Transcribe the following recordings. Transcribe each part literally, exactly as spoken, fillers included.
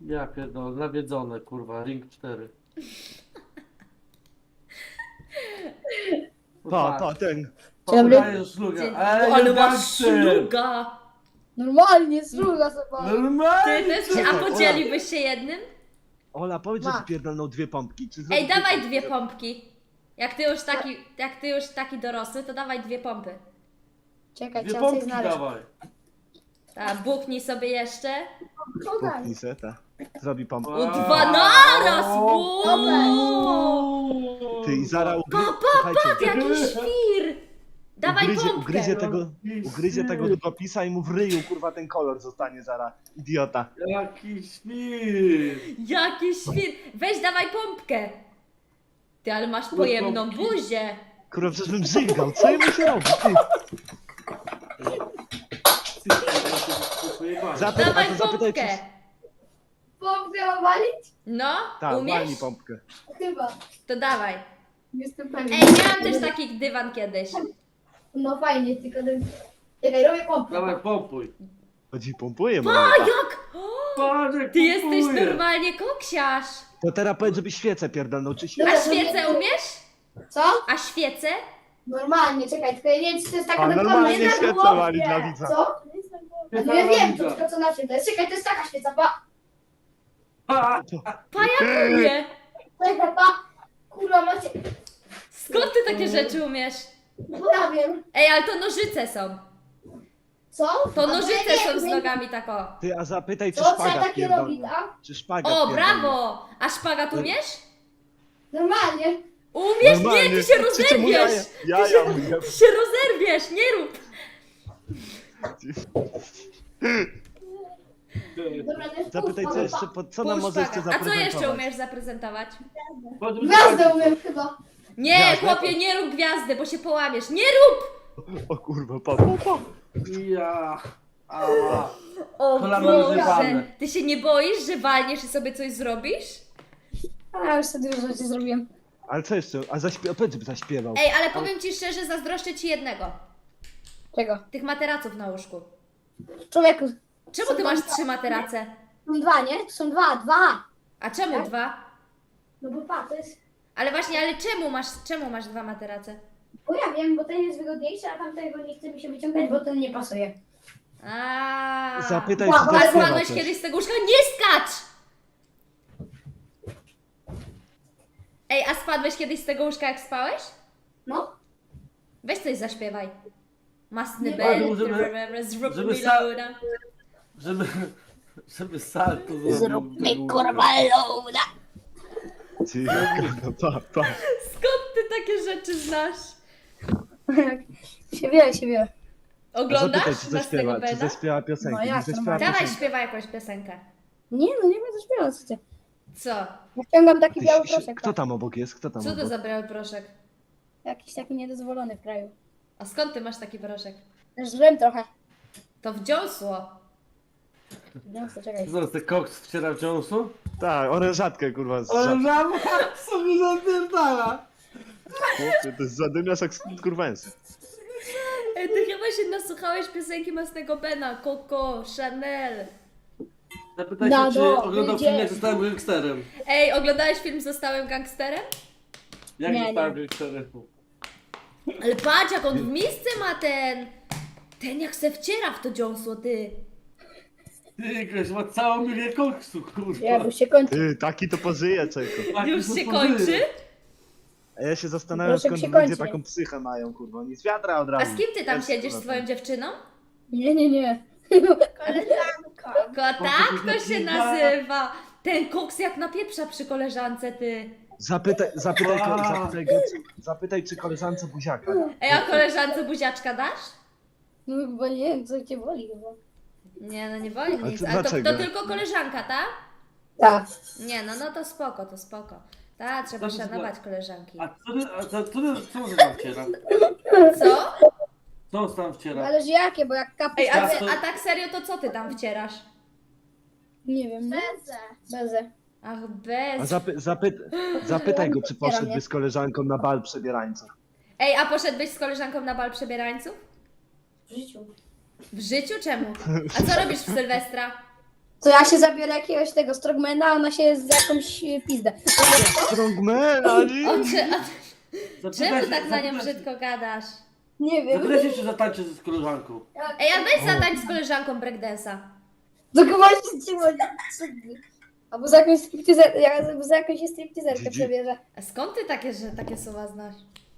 Ja pierdolę, nawiedzone, kurwa, Ring cztery. Pa, pa, ten. Dzień dobry. Podaję szluga. Dzień- Ej, Ale jest masz gangster! szluga! Normalnie, sługa sobie. Ty Normalnie! też, Czekaj, a Ola. podzieliłbyś się jednym? Ola, powiedz, że Ma. ci pierdolną dwie pompki. Czy Ej, zrobisz dawaj pompki? dwie pompki. Jak ty już taki, jak ty już taki dorosły, to dawaj dwie pompy. Czekaj, Dwie trzeba coś pompki znaleźć. dawaj. Tak, buchnij sobie jeszcze. Podaj. Puknij se, ta. Zrobi pompkę. U dwa naraz! O, Wow. Ty i Zara ugry... Pa, pa, Słuchajcie, pa, jaki świr! Dawaj ugryzie, pompkę. ugryzie tego, ugryzie tego długopisa i mu w ryju, kurwa, ten kolor zostanie Zara. Idiota. Jaki świr! Jaki świr! Weź dawaj pompkę. Ty, ale masz pojemną pompki. buzię. Kurwa, przecież bym żygał. Co jemu się robi? Ty. Zapy... Dawaj a to zapytaj, pompkę. czy... Pompkę mam walić? No, Tak, walnij umiesz? pompkę. Chyba. To dawaj. Jestem pewien. Ej, miałam też taki dywan kiedyś. No fajnie, tylko... Czekaj, robię pompkę. Dawaj, pompuj. Chodzi, pompuje, A mam. jak? Patrz, jak Ty jesteś pompuje. normalnie koksiarz. To teraz powiedz, żeby świecę pierdolną, czy A świecę? świecę umiesz? Co? A świecę? Normalnie, czekaj, tylko ja nie wiem, czy to jest taka A, dokładna. normalnie Jedna świecę głowa. wali dla widza. Co? No ja wiem, to tylko co na czym to jest. Czekaj, to jest taka świeca, pa. Ha! Pa jak umie? Czekaj, pa. Kurwa, macie... Skąd ty takie rzeczy umiesz? No ja wiem. Ej, ale to nożyce są. Co? To A nożyce ja są nie z wiem. nogami tako. Ty, a zapytaj, czy Co trzeba szpagat takie robić, pierdolny. a? Czy szpagat O, pierdolny. brawo! A szpagat umiesz? Normalnie. Umiesz? Nie, Normalnie. ty się Czy- czemu jaja- rozerwiesz! jaja mówię. Ty się rozerwiesz, nie rób! Dobra, to jest Zapytaj, pół, co pa, jeszcze, pa. po, co nam Pół może jeszcze szpagat. A co zaprezentować? jeszcze umiesz zaprezentować? Gwiazdę umiem chyba. Nie, Gwiazdę? chłopie, nie rób gwiazdy, bo się połamiesz. Nie rób! O kurwa, pa, pa, pa. Ja. Ała. O Kolana Boże! rozjebane. Ty się nie boisz, że walniesz i sobie coś zrobisz? A, już sobie dużo rzeczy zrobiłem. Ale co jeszcze? A zaśpiewał, powiedz, żeby zaśpiewał. Ej, ale powiem ci szczerze, zazdroszczę ci jednego. Czego? Tych materaców na łóżku. Człowieku, Czemu ty masz trzy materace? są dwa, nie? To są dwa, dwa. A czemu Tak? dwa? No bo pa, to jest... Ale właśnie, ale czemu masz, czemu masz dwa materace? Bo ja wiem, bo ten jest wygodniejszy, a tamtego nie chce mi się wyciągać, bo ten nie pasuje. A. Zapytaj, Wow, czy ale Ale zaśpiewa spadłeś coś. kiedyś z tego łóżka? Nie skacz! Ej, a spadłeś kiedyś z tego łóżka jak spałeś? No. Weź coś zaśpiewaj. Masny Nie bel, mogę, żeby- zrób żeby mi sa- loada. Żeby... Żeby salto zrobił. Zrób mi tego- kurwa loada. Ty, kurwa, pa, pa. Skąd ty takie rzeczy znasz? się wie, się wie. A Oglądasz zapytaj, czy Masnego zaśpiewa, czy Bena? zaśpiewa piosenkę. No nie jak, zaśpiewa normalnie. Dawaj, piosenki. śpiewaj jakąś piosenkę. Nie, no nie będę śpiewał, co ty. Co? Ja wciągam taki Ty, biały si- proszek. Kto tam obok jest? Kto tam Co to obok? za biały proszek? Jakiś taki niedozwolony w kraju. A skąd ty masz taki proszek? Żrem trochę. To wdziąsło. No to czekaj. Zaraz ten koks wciera w dziąsu? Tak, orężatkę, kurwa. Z Ale żab... żaba sobie zapierdala. Chłopie, to jest zadymiarz jak skurwęs. Ej, ty chyba się nasłuchałeś piosenki Masnego Bena, Coco, Chanel. Zapytaj Na się, czy do, oglądał idzie. film jak zostałem gangsterem. Ej, oglądałeś film Zostałem gangsterem? Jak Nie, zostałem nie. gangsterem? Ale patrz, jak on w misce ma ten... Ten jak se wciera w to dziąsło, ty. Ty, goś ma całą milię koksu, kurwa. Ja już się kończy. Ty, taki to pożyje, czego. Taki Już to się pożyje. kończy? A ja się zastanawiam, Proszę, skąd się ludzie kończy. taką psychę mają, kurwa. Oni z wiadra od A razu. z kim ty tam Jest, siedzisz, z kurwa, swoją dziewczyną? Nie, nie, nie. Koleżanka. Ko, tak to się nazywa. Ten koks jak napieprza przy koleżance, ty. Zapytaj, zapytaj, ko- A. zapytaj, go, czy, zapytaj, czy koleżance buziaka. Ej, a koleżance buziaczka dasz? No chyba nie wiem, co cię boli chyba. Nie, no nie woli A nic. to Ale to, dlaczego? to tylko koleżanka, tak? Tak. Nie, no no to spoko, to spoko. Tak, trzeba Dobrze, szanować koleżanki. A co ty, a co, co, ty, co on tam wciera? Co? Co on tam wciera? Zależy jakie, bo jak kapus... Ej, a, Ja ty, to- a tak serio, to co ty tam wcierasz? Nie wiem. Bezę. Bezę. Ach, A bez. zapy, zapy, zapytaj go, czy Otwieram, poszedłby nie? z koleżanką na bal przebierańców. Ej, a poszedłbyś z koleżanką na bal przebierańców? W życiu. W życiu czemu? A co robisz w Sylwestra? To ja się zabiorę jakiegoś tego strongmana, a ona się z jakąś e, pizdę. Strongman, Ali! O, czy, a, Zapytaj czemu się- tak na nią zapytaj się- brzydko gadasz? Nie wiem. Zapytaj się, czy zatańczy z koleżanką. Ej, a weź zatańcz z koleżanką breakdance'a. Tylko właśnie ci chodzi. Albo za jakąś stripteaser, ja za jakąś stripteaserkę Gigi. przebierze. A skąd ty takie, że takie słowa znasz?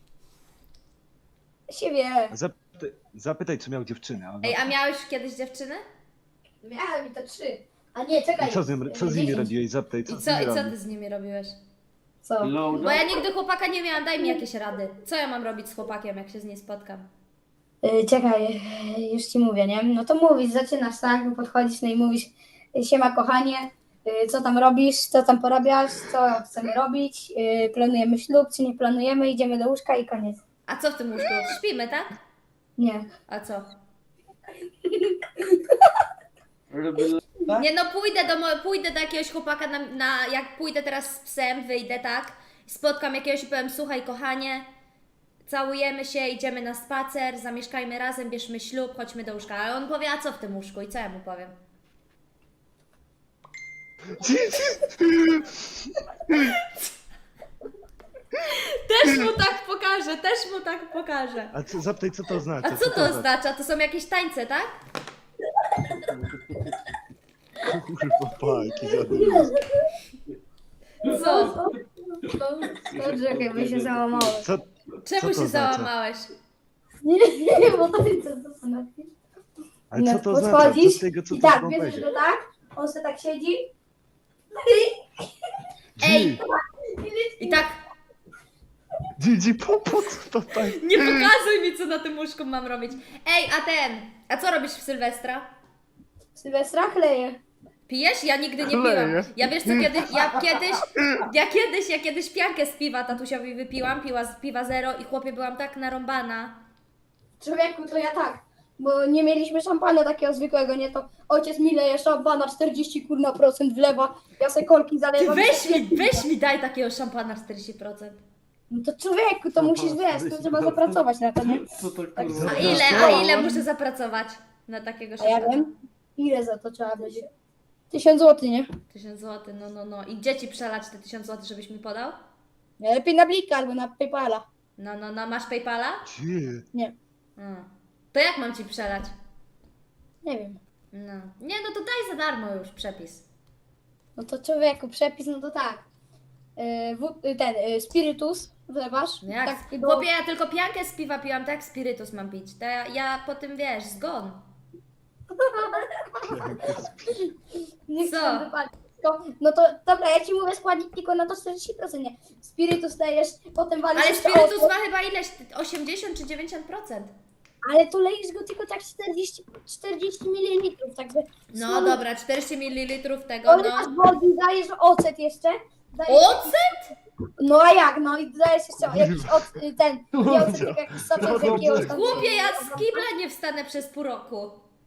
Się wie. Zapytaj, zapytaj, czy miał dziewczynę. a Ona... Ej, a miałeś kiedyś dziewczynę? Miałem i to trzy. A nie, czekaj. I co z, nim, co z nimi dziesięć. robiłeś? Zapytaj, co I z co, nimi i co robisz? ty z nimi robiłeś? Co? Loada. Bo ja nigdy chłopaka nie miałam, daj mi jakieś rady. Co ja mam robić z chłopakiem, jak się z nim spotkam? Y, Czekaj, y, już ci mówię, nie? No to mówisz, zaczynasz, tak? Podchodzisz, no i mówisz, y, siema kochanie, y, co tam robisz, co tam porabiasz, co chcemy robić, y, planujemy ślub, czy nie planujemy, idziemy do łóżka i koniec. A co w tym łóżku? Śpimy, tak? Nie. A co? Robię loada. Nie no, pójdę do, mo- pójdę do jakiegoś chłopaka, na, na, jak pójdę teraz z psem, wyjdę, tak? Spotkam jakiegoś i powiem, słuchaj kochanie, całujemy się, idziemy na spacer, zamieszkajmy razem, bierzmy ślub, chodźmy do łóżka. Ale on powie, a co w tym łóżku? I co ja mu powiem? Też mu tak pokażę, też mu tak pokażę. A co, zapytaj, co to oznacza? A co to oznacza? To są jakieś tańce, tak? Kurwa, pa, jaki zadumny. Co? To, to czekaj, by się załamałem. Co? Czemu Co to się oznacza? załamałeś? Nie, nie, bo to jest co to znaczy. Ale No, co to oznacza? podchodzisz Co z tego, co i to tak, ma bierzesz powiedzieć? go tak, on sobie tak siedzi. Ej! I tak, Gigi, po, po co to tak? nie pokazuj mi, co na tym łóżku mam robić. Ej, a ten, a co robisz w Sylwestra? Sylwestra chleje. Pijesz? Ja nigdy nie Chleję. piłam. Ja wiesz co, kiedy, ja kiedyś, ja kiedyś, ja kiedyś piankę z piwa tatusiowi wypiłam, piła z piwa zero i chłopie byłam tak narąbana. Człowieku, to ja tak, bo nie mieliśmy szampana takiego zwykłego, nie to ojciec mi leje szampana, czterdzieści kurna procent wlewa, ja se kolki Ty zalewam. weź mi, weź mi daj takiego szampana czterdzieści procent. No to człowieku, to musisz, wiesz, to trzeba zapracować na to, nie? Co to A kurwa? ile, a ile muszę zapracować na takiego A ja szampana? wiem, ile za to trzeba będzie? Tysiąc złotych, nie? Tysiąc złotych, no no no. I gdzie ci przelać te tysiąc złotych, żebyś mi podał? Lepiej na Blika albo na Paypala. No no no, masz Paypala? Gdzie? Nie, Mm. To jak mam ci przelać? nie wiem. No. Nie, no to daj za darmo już przepis. No to człowieku, przepis, no to tak. Yy, w, yy, ten, yy, spirytus wlewasz. No jak? Tak, do... Chłopie, ja tylko piankę z piwa piłam, tak? Spirytus mam pić. To ja, ja po tym, wiesz, zgon. Nie chcę Co? tam wypalić. Tylko- No to dobra, ja ci mówię składnik tylko na to czterdzieści procent, nie. Spirytus dajesz, potem walisz Ale jeszcze spirytus ocet, ma chyba ileś? osiemdziesiąt czy dziewięćdziesiąt procent? ale tu lejesz go tylko tak czterdzieści, czterdzieści mililitrów, także... No dobra, czterdzieści mililitrów tego, Olewasz no. wody, dajesz ocet jeszcze. Dajesz, Ocet? no a jak, no i dajesz jeszcze jakiś ocet, y, ten, nie ocet, tylko jakiś soczek z jakiegoś tam... Chłopie, ja z kibla nie wstanę przez pół roku.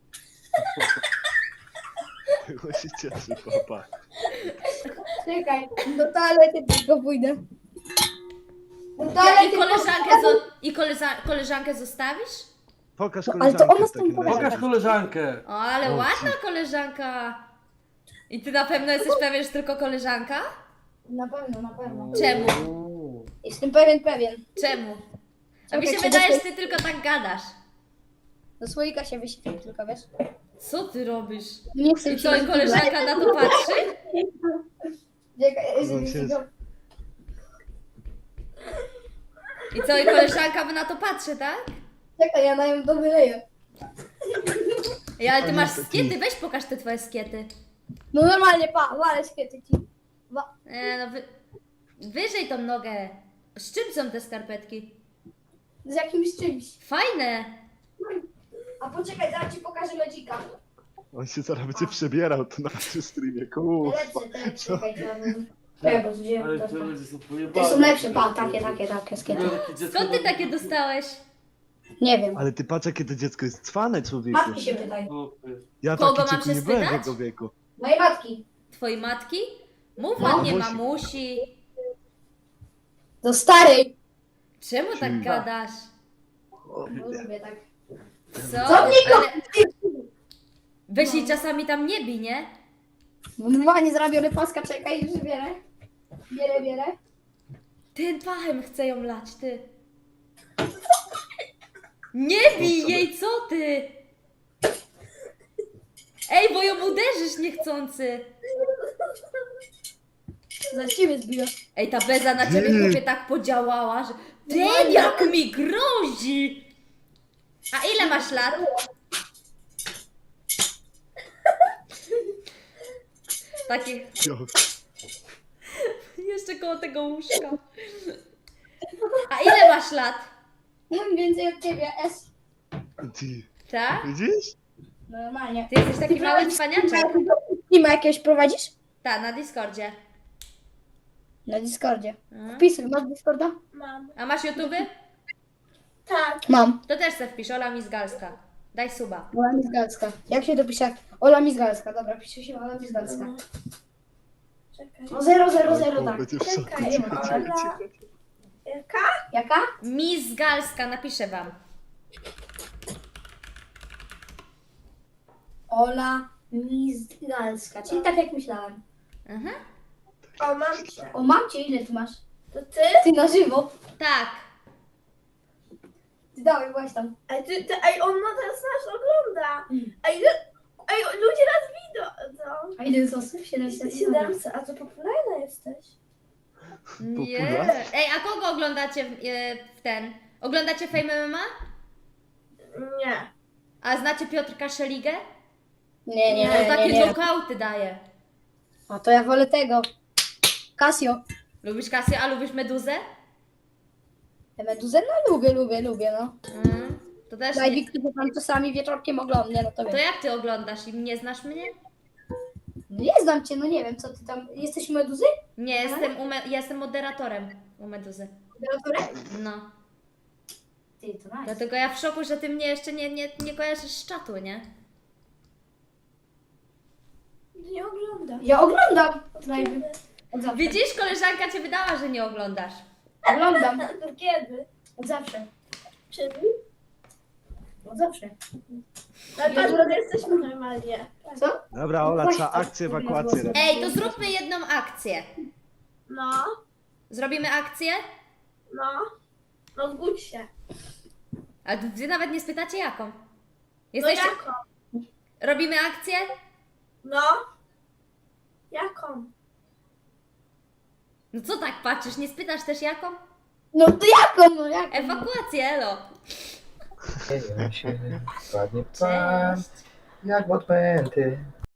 Chyba się cieszy, papa. Czekaj, do toalety tylko pójdę. Do Ja, toalety I koleżankę, zo- i koleża- koleżankę zostawisz? Pokaż No, ale to koleżankę ona w z tym takim pogadała. razie. Pokaż koleżankę. O, ale O, ładna koleżanka. I ty na pewno jesteś pewien, że tylko koleżanka? Na pewno, na pewno. Czemu? Uuu. Jestem pewien, pewien. Czemu? A mi Czekaj, się czy wydaje, do że ty tylko tak gadasz. Do słoika się wyświetli tylko, wiesz? Co ty robisz? Nie chcę I co, i koleżanka na to patrzy? Czekaj, No, jeżeli się- się go... I co, i koleżanka na to patrzy, tak? Czekaj, ja na nią to wyleję. Ej, ale ty On masz jest taki- skiety, weź pokaż te twoje skiety. No normalnie, pa, walę świety ci. Wa- E, no wy... Wyżej tą nogę. Z czym są te skarpetki? Z jakimś czymś. Fajne. A poczekaj, zaraz ci pokażę lodzika. On się zaraz będzie przebierał tu na naszym streamie, kurwa. Lepsze, te, czekaj, to ja bym... Ja go wziąłem, Ale to, to to. będzie sobie Te pojebane. są lepsze, pa, takie, takie, takie skiety. Skąd ty takie dostałeś? Nie wiem. Ale ty patrz, jakie to dziecko jest cwane, człowieku. Matki się pytaj. Ja Kogo taki mam cieku się nie byłem w spytać? jego wieku. Mojej matki. Twojej matki? Mów No. ładnie, Mamusi. mamusi. Do starej. Czemu tak Czyli- gadasz? O, Bo lubię tak. Co? Co mnie Ale weź jej czasami tam nie bij, nie? Normalnie zrobiony paska, czekaj, już bierę. Bierę, bierę. Ten pachem chce ją lać, ty. Nie bij jej, co ty? Ej, bo ją uderzysz niechcący. Za ciebie zbiję. Ej, ta beza na ciebie chłopie tak podziałała, że... Ten jak mi grozi! A ile masz lat? Takie... Jeszcze koło tego łóżka. A ile masz lat? Mam więcej od ciebie, S. Ty, Tak? widzisz? Normalnie. Ty jesteś taki mały cwaniaczek. Nie ma jakiegoś prowadzisz? Tak, na Discordzie. Na Discordzie. Mhm. Wpisuj, masz Discorda? Mam. A masz YouTube? Tak. Mam. To też se wpisz, Ola Mizgalska. Daj suba. Ola Mizgalska. Jak się to pisze? Ola Mizgalska. Dobra, pisze się Ola Mizgalska. Czekaj. No zero, zero, zero, O, tak. będzie w szoku. Czekaj, Cicho, cicho, Ola. cicho. Jaka? Jaka? Mizgalska, napiszę wam. Ola Mizgalska. Czyli tak jak myślałem. Mhm. O, mam cię. O, mam cię, ile ty masz? To ty? Ty na żywo. Tak. Ty dawaj, właśnie tam. Ej, ty, ty, ej, on ma teraz nas ogląda. Ej, lu- ej, ludzie nas widzą. A ile jest osób? siedemset. siedemset, a to popularna jesteś. Nie. Popularny. Ej, a kogo oglądacie w, e, w ten? Oglądacie Fame M M A? Nie. A znacie Piotrka Szeligę? Nie, nie, On nie, takie nie, nie. nokauty daje. A to ja wolę tego. Casio. Lubisz Kasję, a lubisz Meduzę? Te Meduzę? No lubię, lubię, lubię, no. Mm. To też nie... Daj, który tam czasami wieczorkiem oglądnie, no to To wiem. jak ty oglądasz i nie znasz mnie? No nie znam cię, no nie wiem, co ty tam... Jesteś u Meduzy? Nie, jestem, u me... ja jestem moderatorem u Meduzy. Moderatorem? No. Ty, to nice. Dlatego ja w szoku, że ty mnie jeszcze nie, nie, nie kojarzysz z czatu, nie? Nie ogląda. Ja oglądam. Live. Od zawsze. Widzisz, koleżanka cię wydała, że nie oglądasz. Oglądam. To kiedy? Od zawsze. Czyli? Od zawsze. Ale patrz, że jesteśmy normalnie. Co? Dobra, Ola, trzeba akcję ewakuacji robić. Ej, to zróbmy jedną akcję. No, Zrobimy akcję? no. No zgódź się. A wy nawet nie spytacie jaką. No Jesteście... jaką? Robimy akcję? No. Jaką? No co tak patrzysz, nie spytasz też jaką? No to jaką, no jaką? Ewakuację, elo. Dzieją się ładnie pan, Cześć. jak odpęty.